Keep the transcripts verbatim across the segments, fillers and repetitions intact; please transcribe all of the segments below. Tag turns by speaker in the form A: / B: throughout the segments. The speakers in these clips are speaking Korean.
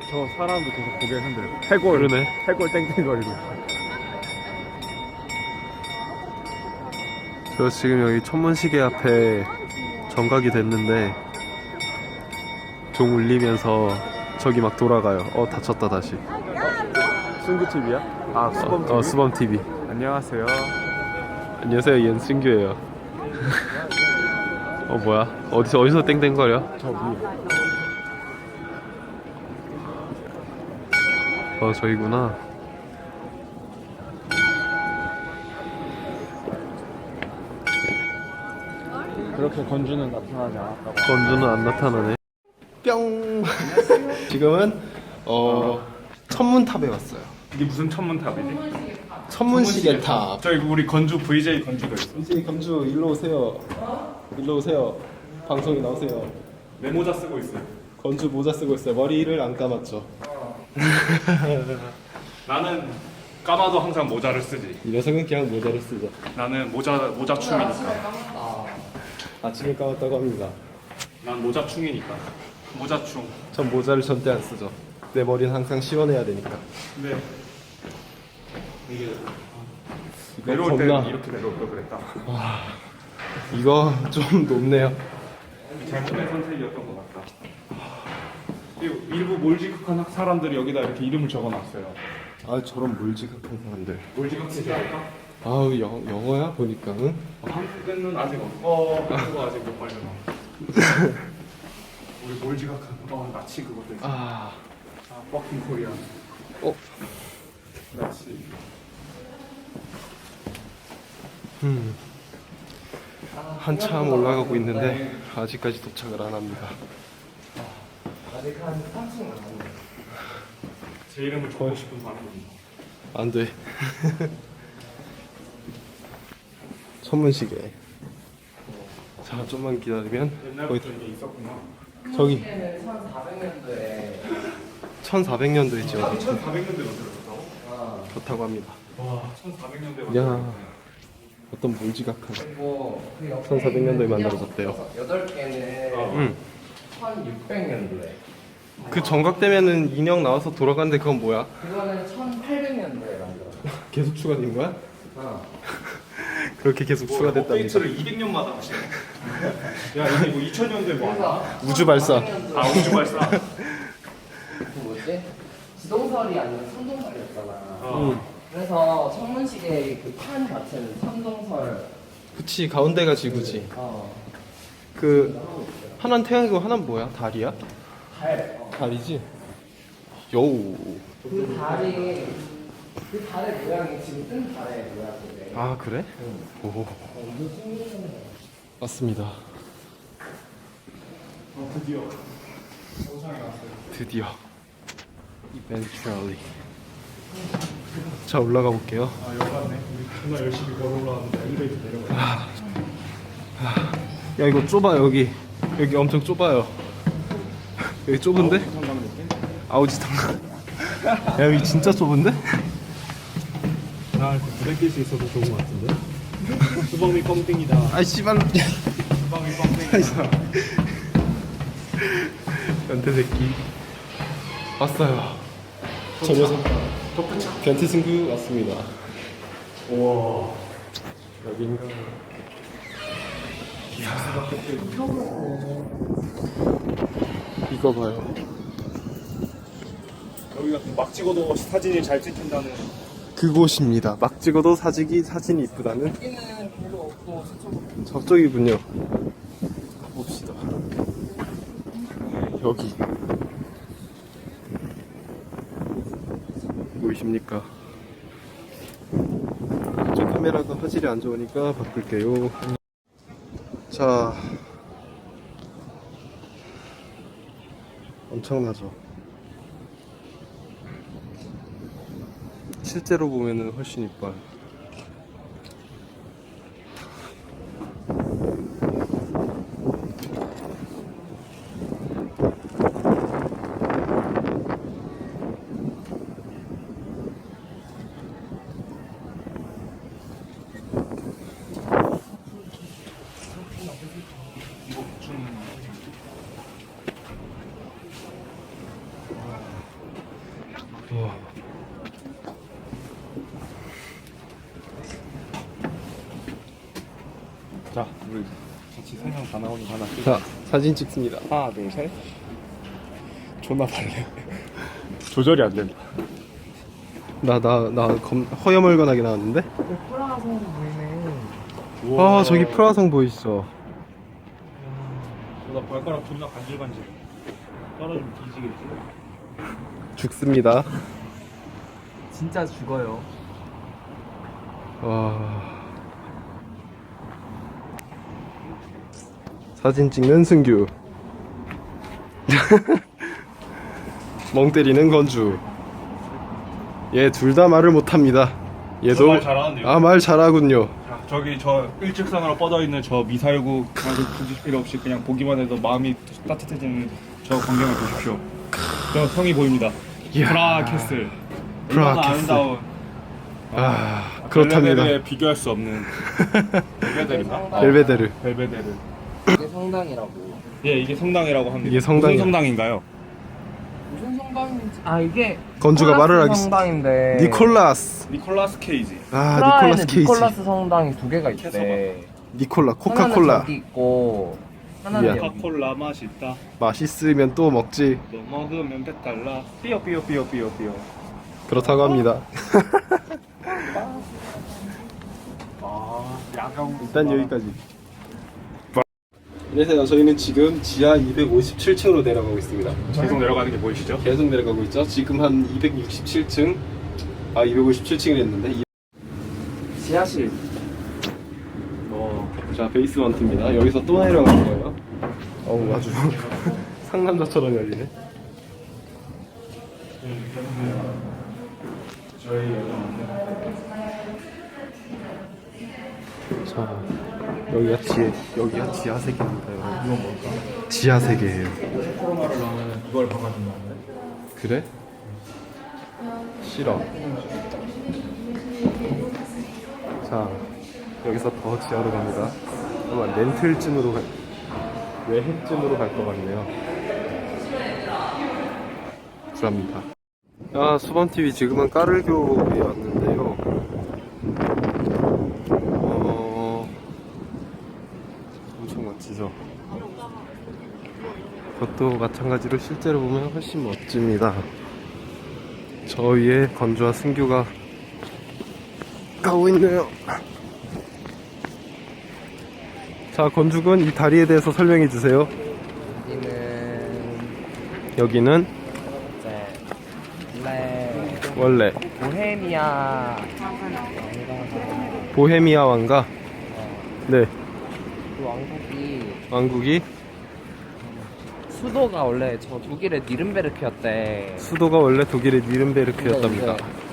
A: 저 사람도 계속 고개 흔들고 해골
B: 그러네.
A: 해골 땡땡거리고.
B: 저 지금 여기 천문시계 앞에 정각이 됐는데 종 울리면서 저기 막 돌아가요. 어 다쳤다 다시.
A: 승규티비야? 아 수범티비?
B: 어, 어 수범 티비.
A: 안녕하세요.
B: 안녕하세요, 연승규예요. 어 뭐야? 어디서 어디서 땡땡거려?
A: 저 위에.
B: 어 저기구나.
A: 그렇게 건주는 나타나지 않았다고.
B: 건주는 안 나타나네.
C: 뿅. 지금은 어 천문탑에 왔어요.
A: 이게 무슨 천문탑이지?
C: 천문시계탑.
A: 저희 우리 건주 브이제이 건주도 있어.
C: 이제 검주 일로 오세요. 일로 오세요. 방송에 나오세요.
A: 내 모자 쓰고 있어.
C: 건주 모자 쓰고 있어요. 머리를 안 감았죠.
A: 나는 까마도 항상 모자를 쓰지.
C: 이 녀석은 그냥 모자를 쓰죠.
A: 나는 모자 모자 충이니까.
C: 아침에 감았다고 합니다.
A: 난 모자 충이니까. 모자 충.
C: 전 모자를 절대 안 쓰죠. 내 머리는 항상 시원해야 되니까.
A: 근데 이게
C: 이거
A: 내려올
C: 겁나.
A: 때 이렇게 내려올 걸 그랬다.
C: 이거 좀 높네요.
A: 잘못된 선택이었던 것 같다. 그리고 일부 몰지각한 사람들이 여기다 이렇게 이름을 적어놨어요.
C: 아 저런 몰지각한 사람들.
A: 몰지각하지 않을까?
C: 아우 영 영어야 보니까. 응?
A: 한국에는 아직 없어. 한국어 아직 못 발견하. 우리 몰지각한 어 나치 그것도 있어.
C: 아.
A: 아 버킹 코리아.
C: 어.
A: 나치.
C: 음. 한참 올라가고 있는데 아직까지 도착을 안 합니다.
D: 아직 한 삼 층 남았네.
A: 제 이름을 적고 싶은 사람입니다.
C: 안 돼. 천문시계. 자, 좀만 기다리면
A: 옛날부터 이게 있었구나.
C: 저기
D: 천사백 년도에
C: 천사백 년도에 지어졌죠.
A: 천사백 년대 만들어졌다고?
C: 좋다고 합니다.
A: 와 천사백 년대
C: 야,
A: 만들어졌네.
C: 어떤 몰지각한.
D: 그리고 그 옆에
C: 천사백 년도에 만들어졌대요.
D: 여덟 개는
C: 응.
D: 천육백 년도에.
C: 그 정각되면은 인형 나와서 돌아가는데 그건 뭐야?
D: 그거는 천팔백 년도에 만들었어.
C: 계속 추가된 거야?
D: 어.
C: 그렇게 계속 추가됐답니다.
A: 업데이트를 이백 년마다 하시네. 야 이게 뭐 이천 년도에 뭐 하나?
D: 그래서
C: 우주 발사.
A: 아 우주 발사.
D: 그 뭐지? 지동설이 아니면 천동설이었잖아.
A: 어.
D: 그래서 천문시계의 그 판 자체는 천동설.
C: 그치, 가운데가 지구지.
D: 어.
C: 그 하나는 태양이고 하나는 뭐야? 달이야?
D: 달. 어.
C: 달이지? 여우.
D: 그 달이 그 달의 모양이 지금 뜬 달의 모양인데.
C: 아 그래? 오.
D: 완전 신기하네.
C: 맞습니다.
A: 어, 드디어 정상에 왔어요.
C: 드디어. Eventually. 자 올라가 볼게요.
A: 아 여기 왔네. 우리 정말 열심히 걸어 올라왔는데 엘리베이터 내려가.
C: 야 이거 좁아 여기. 여기 엄청 좁아요. 여기 좁은데?
A: 성당 느낌?
C: 아우지탕. 야 여기 진짜 좁은데?
A: 나 부대낄 수 있어서 좋은 것 같은데. 수범이 뻥땡이다.
C: 아 씨발.
A: 수범이 뻥땡이다.
C: 변태 새끼. 왔어요. 저 녀석. 변태 승구 왔습니다.
A: 우와.
C: 여긴가? 이거 봐요.
A: 여기가 막 찍어도 사진이 잘 찍힌다는.
C: 그곳입니다. 막 찍어도 사직이 사진이 이쁘다는.
D: 여기는 별로 없고 서쪽.
C: 저쪽이군요. 봅시다. 여기 보이십니까? 저 카메라가 화질이 안 좋으니까 바꿀게요. 자, 엄청나죠? 실제로 보면은 훨씬 이뻐요.
B: 와.
A: 자, 우리 같이 세 명 다 나오는 거 하나 찍.
B: 자, 사진 찍습니다.
A: 하나, 둘, 셋. 존나 빨래. 조절이 안 된다.
B: 나, 나, 나 검, 허여멀건하게 나왔는데?
D: 프라성 보이네.
B: 아, 저기 프라성 보이시죠?
A: 나 발가락 존나 간질간질. 떨어지면 뒤지겠지.
B: 죽습니다.
D: 진짜 죽어요.
B: 와. 사진 찍는 승규. 멍 때리는 건주. 얘 둘 다 말을 못합니다. 얘도
A: 말 잘하는데요?
B: 아, 말 잘하군요.
A: 자, 저기 저 일직선으로 뻗어 있는 저 미사일구 아주 굳이 필요 없이 그냥 보기만 해도 마음이 따뜻해지는 저 광경을 보십시오. 저 성이 보입니다.
B: 이야.
A: 프라 캐슬.
B: 프라
A: 얼마나
B: 캐슬.
A: 아름다운.
B: 아, 그렇답니다.
A: 벨베데르에 비교할 수 없는. 벨베데르인가?
B: 벨베데르.
A: 벨베데르.
D: 이게 성당이라고.
A: 예, 이게 성당이라고 합니다.
B: 이게 성당이야.
A: 무슨 성당인가요?
D: 무슨 성당인지. 아 이게
B: 건주가 말을 하기
D: 성당인데.
B: 니콜라스.
A: 니콜라스 케이지.
B: 아,
D: 프라하에는
B: 니콜라스 케이지.
D: 니콜라스 성당이 두 개가 있대.
B: 니콜라
D: 하나는
B: 코카콜라.
D: 저기 있고 하나는
B: 이야.
D: 여기.
A: 코카콜라 맛있다.
B: 맛있으면 또 먹지.
A: 너 먹으면 배탈 나. 삐어 삐어 삐어 삐어 삐어.
B: 그렇다고 합니다.
A: 아, 야경.
B: 일단 여기까지. 안녕하세요. 저희는 지금 지하 이백오십칠 층으로 내려가고 있습니다.
A: 계속 내려가는 게 보이시죠?
B: 계속 내려가고 있죠. 지금 한 이백육십칠 층, 아 이백오십칠 층을 했는데. 이...
D: 지하실.
B: 어, 자 베이스먼트입니다. 여기서 또 내려가는 거예요. 어우 아주 상남자처럼 열리네. 자 여기가 지 여기가 지하 세계입니다.
A: 이건 뭘까?
B: 지하 세계예요.
A: 코로나를 넣으면 이걸 박아준다는데.
B: 그래? 싫어. 자, 여기서 더 지하로 갑니다. 아마 렌틀쯤으로 갈, 외핵쯤으로 갈 것 같네요. 불합니다. 아, 수범티비 지금은 까르교에 왔는데요. 어, 엄청 멋지죠? 그것도 마찬가지로 실제로 보면 훨씬 멋집니다. 저 위에 건주와 승규가 가고 있네요. 자, 건주군 이 다리에 대해서 설명해 주세요.
D: 여기는
B: 여기는
D: 이제 원래
B: 원래
D: 보헤미아
B: 보헤미아 왕가. 네,
D: 그 왕국이
B: 왕국이
D: 수도가 원래 저 독일의 니른베르크였대.
B: 수도가 원래 독일의 니른베르크였답니다.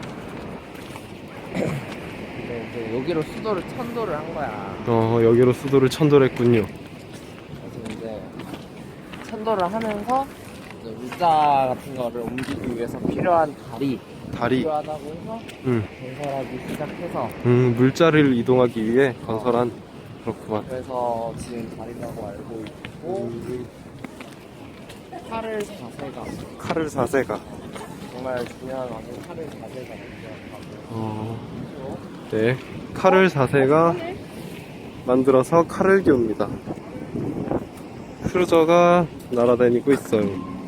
D: 근데 이제 여기로 수도를 천도를 한 거야.
B: 어, 여기로 수도를 천도를 했군요.
D: 그래서 이제 천도를 하면서 이제 물자 같은 거를 옮기기 위해서 필요한 다리
B: 다리,
D: 필요하다고 해서
B: 음,
D: 건설하기 시작해서
B: 음, 물자를 이동하기 위해 건설한. 그렇구만.
D: 그래서 지금 다리라고 알고 있고 칼을 자세가
B: 칼을 사세가.
D: 정말 중요한 와중 칼을 자세가 중요하다고.
B: 어, 네, 칼을 사세가 만들어서 칼을 기웁니다. 크루저가 날아다니고 있어요.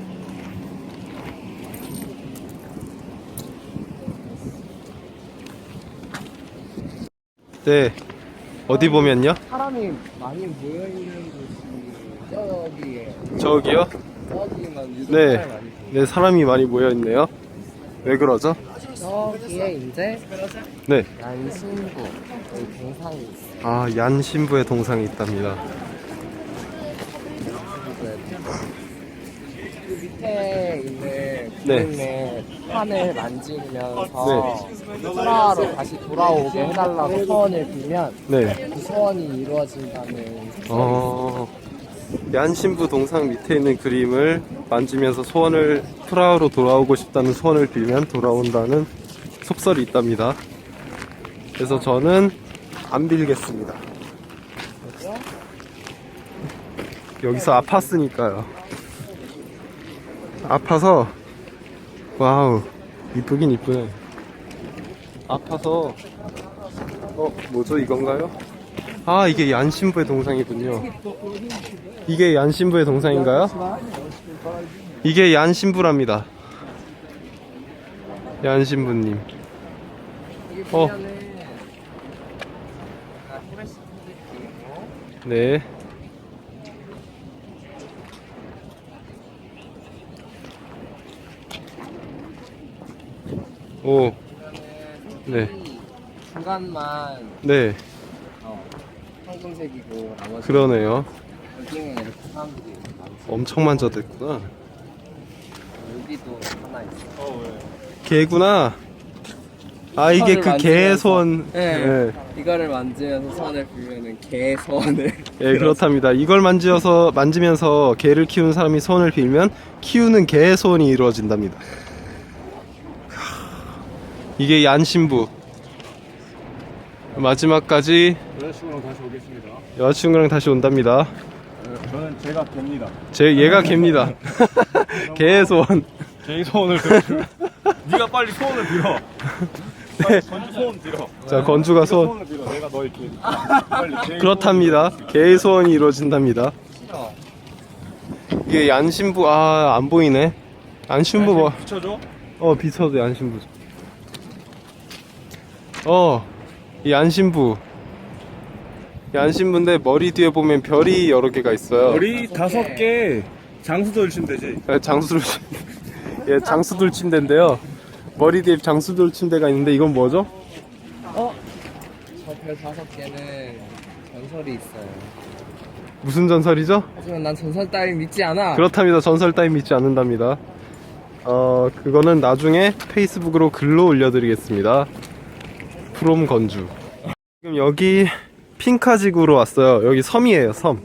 B: 네, 어디 보면요?
D: 사람이 많이 모여있는 곳이 저기에
B: 저기요?
D: 저기만 유독
B: 네,
D: 사람이 많이 보여요.
B: 네, 사람이 많이 모여 있네요. 왜 그러죠?
D: 저기에 이제
B: 네,
D: 난신구 여기 동상이 있어.
B: 아, 얀 신부의 동상이 있답니다.
D: 그 밑에 있는
B: 네.
D: 그림의 판을 만지면서 프라하로 다시 돌아오게 해달라고 소원을 빌면
B: 네,
D: 그 소원이 이루어진다는.
B: 어, 얀 신부 동상 밑에 있는 그림을 만지면서 소원을, 프라하로 돌아오고 싶다는 소원을 빌면 돌아온다는 속설이 있답니다. 그래서 저는 안 빌겠습니다. 여기서 아팠으니까요. 아파서 와우, 이쁘긴 이쁘네. 아파서. 어, 뭐죠? 이건가요? 아, 이게 얀신부의 동상이군요. 이게 얀신부의 동상인가요? 이게 얀신부랍니다. 얀신부님.
D: 여기
B: 어.
D: 보면은 아, 후레쉬 콘크리트이고
B: 네. 오, 네.
D: 중간만
B: 네.
D: 어, 황금색이고 나머지
B: 그러네요.
D: 여기는 이렇게 사람들이 많지.
B: 엄청 만져댔구나.
D: 여기도 하나 있어.
A: 어 왜?
B: 개구나. 아, 이게 그 개의 소원.
D: 네.
B: 네.
D: 이거를 만지면서 손을 빌면은 개 소원을.
B: 예, 그렇답니다. 이걸 만지어서 만지면서 개를 키우는 사람이 소원을 빌면 키우는 개의 소원이 이루어진답니다. 이게 얀신부. 마지막까지
A: 여자친구랑 다시 오겠습니다.
B: 여자친구랑 다시 온답니다.
A: 저는 제가 됩니다.
B: 제 얘가 개입니다. 개의 소원.
A: 제 소원을 들어주면 네가 빨리 소원을 빌어. 빨리 건주 소원 빌어.
B: 자, 건주가 소원.
A: 소원을 빌어. 내가 너의 개. 빨리 제
B: 그렇답니다. 개의 소원이 이루어진답니다. 이게 얀신부. 아, 안 보이네. 얀신부 뭐?
A: 붙여줘.
B: 어, 비춰도 얀신부죠. 어, 이 얀신부. 얀신부인데 머리 뒤에 보면 별이 여러 개가 있어요.
A: 우리 다섯 개 장수돌 치면 되지.
B: 예, 장수돌 침- 예, 장수돌 침대인데요. 머리 뒤에 장수돌 침대가 있는데 이건 뭐죠?
D: 저 별 다섯 개는 전설이 있어요.
B: 무슨 전설이죠?
D: 하지만 난 전설 따위 믿지 않아.
B: 그렇답니다. 전설 따위 믿지 않는답니다. 어, 그거는 나중에 페이스북으로 글로 올려드리겠습니다. 프롬 건주. 지금 여기 핑카지구로 왔어요. 여기 섬이에요, 섬.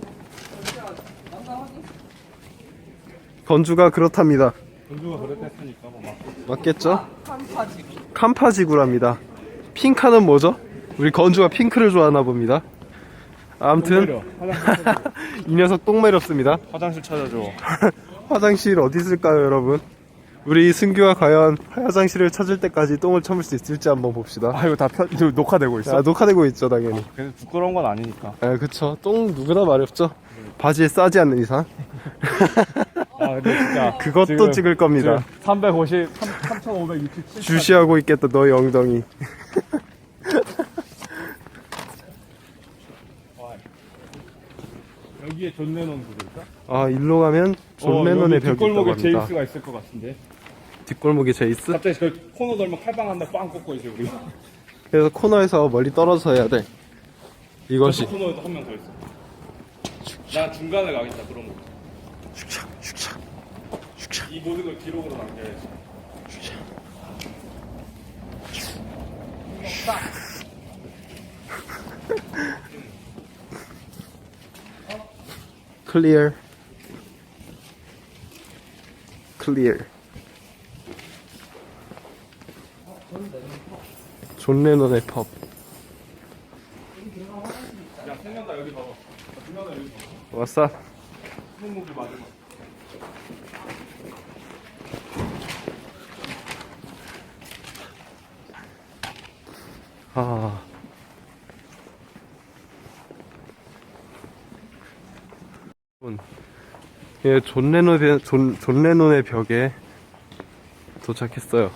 B: 건주가 그렇답니다.
A: 건주가 그랬으니까 뭐 막.
B: 맞겠죠? 캄파지구랍니다. 핑카는 뭐죠? 우리 건주가 핑크를 좋아하나 봅니다. 아무튼 이 녀석 똥 매렵습니다.
A: 화장실 찾아줘.
B: 화장실 어디 있을까요, 여러분? 우리 승규가 과연 화장실을 찾을 때까지 똥을 참을 수 있을지 한번 봅시다.
A: 아 이거 다 편, 이거 녹화되고 있어.
B: 아, 녹화되고 있죠, 당연히.
A: 그래서 부끄러운 건 아니니까.
B: 아, 그쵸. 똥 누구나 마렵죠. 바지에 싸지 않는 이상.
A: 아 근데 진짜
B: 그것도
A: 지금-
B: 찍을 겁니다.
A: 지금 삼백오십, 삼천오백육십칠.
B: 주시하고 있겠다, 너의 엉덩이.
A: 여기에 존 레논 구조일까?
B: 아, 일로 가면 존 레논의 벽이 있다고
A: 뒷골목에
B: 합니다.
A: 제이스가 있을 것 같은데.
B: 뒷골목에 제이스?
A: 갑자기 그 코너 돌면 칼빵 한다 빵 꽂고 있어 우리.
B: 그래서 코너에서 멀리 떨어져서 해야 돼. 이것이.
A: 저 코너에도 한 명 더 있어. 나 중간에 가겠다 그런 거.
B: 슉샥, 슉샥, 슉샥.
A: 이 모든 걸 기록으로 남겨야지.
B: 클리어. 클리어. 존 레논의 펍.
A: 야 생각나 여기 봐봐. 중간에 여기 봐봐.
B: 왔어?
A: 손목이 맞은 거.
B: 아. 예, 존 레논의, 존, 존 레논의 벽에 도착했어요.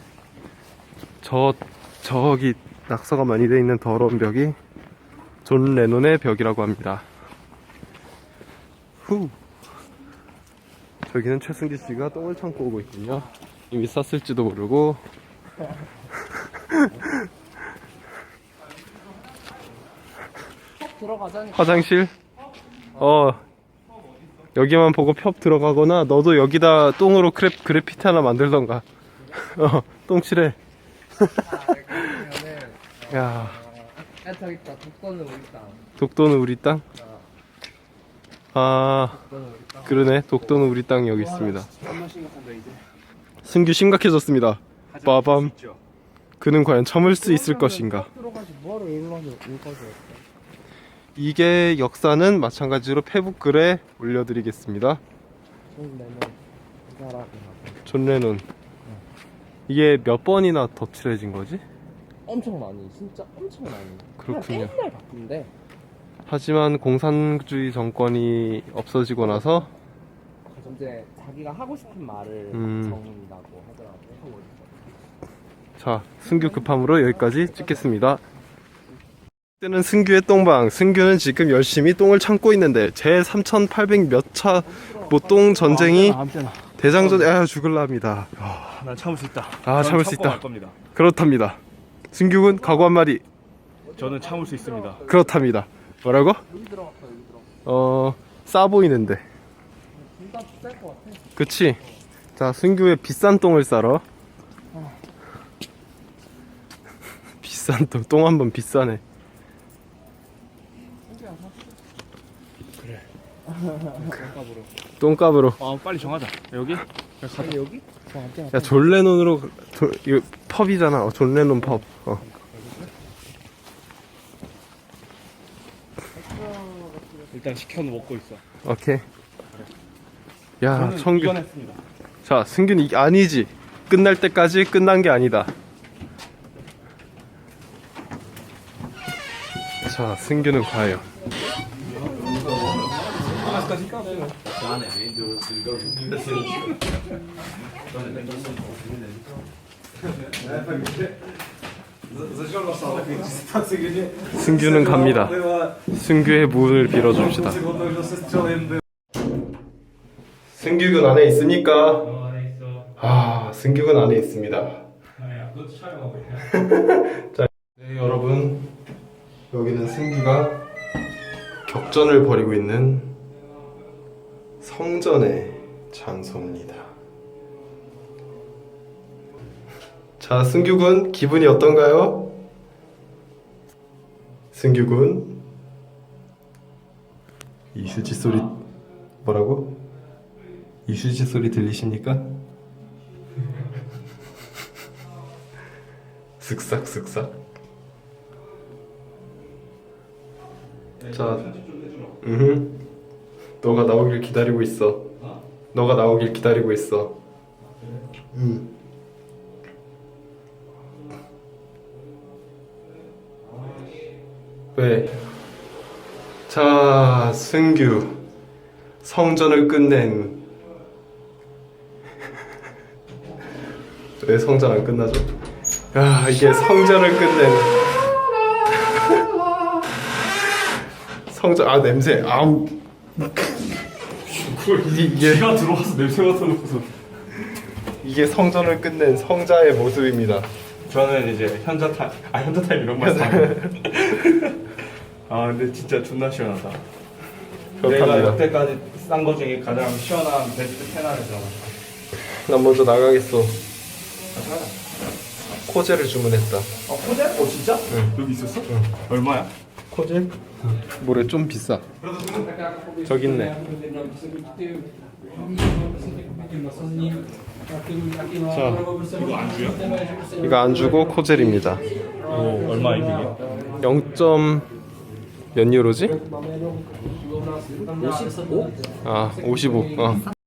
B: 저, 저기 낙서가 많이 돼 있는 더러운 벽이 존 레논의 벽이라고 합니다. 후. 저기는 최승기 씨가 똥을 참고 오고 있군요. 이미 쌌을지도 모르고.
D: 들어가자니.
B: 화장실? 어, 여기만 보고 펍 들어가거나, 너도 여기다 똥으로 그래, 그래피티 하나 만들던가. 어, 똥칠해.
D: 아, 여기 보면은
B: 야,
D: 아 저기 있다. 독도는 우리 땅.
B: 독도는 우리 땅? 아,
D: 독도는 우리 땅.
B: 그러네. 독도는 우리 땅이 여기 있습니다.
A: 정말 심각한다 이제.
B: 승규 심각해졌습니다. 빠밤.
A: 있죠.
B: 그는 과연 참을 수 있을 것인가?
D: 들어가지 뭐하러 일로와서 여기까지 왔어.
B: 이게 역사는 마찬가지로 페북 글에 올려드리겠습니다.
D: 손 내면 이 사람이
B: 존 레논. 이게 몇 번이나 더 칠해진 거지?
D: 엄청 많이, 진짜 엄청 많이.
B: 그렇군요.
D: 그냥 맨날 바쁜데.
B: 하지만 공산주의 정권이 없어지고 나서
D: 이제 자기가 하고 싶은 말을
B: 음.
D: 적는다고 하더라고요.
B: 자, 승규 급함으로 여기까지 찍겠습니다. 이때는 승규의 똥방. 승규는 지금 열심히 똥을 참고 있는데 제 삼천팔백 몇 차 뭐 똥 전쟁이 대장전 아 죽을랍니다.
A: 아, 난 참을 수 있다.
B: 아,
A: 저는
B: 참을 수
A: 참고
B: 있다.
A: 갈 겁니다.
B: 그렇답니다. 승규군 각오 한마디.
A: 저는 참을 수 있습니다.
B: 그렇답니다. 뭐라고?
D: 여기 들어갔어, 여기 들어.
B: 어, 싸 보이는데.
D: 진짜 쌀것 같아.
B: 그치? 자, 승규의 비싼 똥을 싸러. 비싼 똥, 똥 한 번 비싸네. 똥값으로.
A: 아, 빨리 정하자. 여기?
D: 아니, 여기? 저 앞에
B: 야, 존 레논으로, 조, 이거 펍이잖아. 어, 존 레논 펍. 어.
A: 일단 시켜놓고 먹고 있어.
B: 오케이. 야,
A: 저는
B: 청규.
A: 이겨냈습니다.
B: 자, 승균 이 아니지. 끝날 때까지 끝난 게 아니다. 자, 승규는 과연. 승규는 갑니다. 승규의 문을 빌어줍시다. 승규군 안에 있습니까?
A: 어, 안에 있어.
B: 아, 승규군 안에 있습니다.
A: 야, 그것도 촬영하고 있냐?
B: 자, 네, 여러분. 여기는 승규가 격전을 벌이고 있는 성전의 장소입니다. 자, 승규군 기분이 어떤가요? 승규군 이수지 소리 뭐라고? 이수지 소리 들리십니까? 쓱싹쓱싹. 자, 음, 너가 나오길 기다리고 있어. 너가 나오길 기다리고 있어. 음. 왜? 자, 승규 성전을 끝낸. 왜 성전 안 끝나죠? 야, 이게 성전을 끝낸. 성전 아 냄새 아우. 이게
A: 쥐가 들어와서 냄새 맡아놓고서.
B: 이게 성전을 끝낸 성자의 모습입니다.
A: 저는 이제 현자 타임, 아 현자 타임 이런 말 쓰는. 아 근데 진짜 존나 시원하다. 내가
B: 그렇답니다.
A: 여태까지 싼 거 중에 가장 시원한 베스트 텐 안에 들어가.
B: 난 먼저 나가겠어. 코젤을 주문했다.
A: 어 코젤? 어 진짜?
B: 응.
A: 여기 있었어? 응. 얼마야?
B: 코젤? 뭐래 좀 비싸. 저기 있네. 자,
A: 이거 안주야?
B: 이거 안 주고 코젤입니다.
A: 오 얼마 이게?
B: 영 점 몇 유로지?
D: 오십오?
B: 아, 오십오. 어.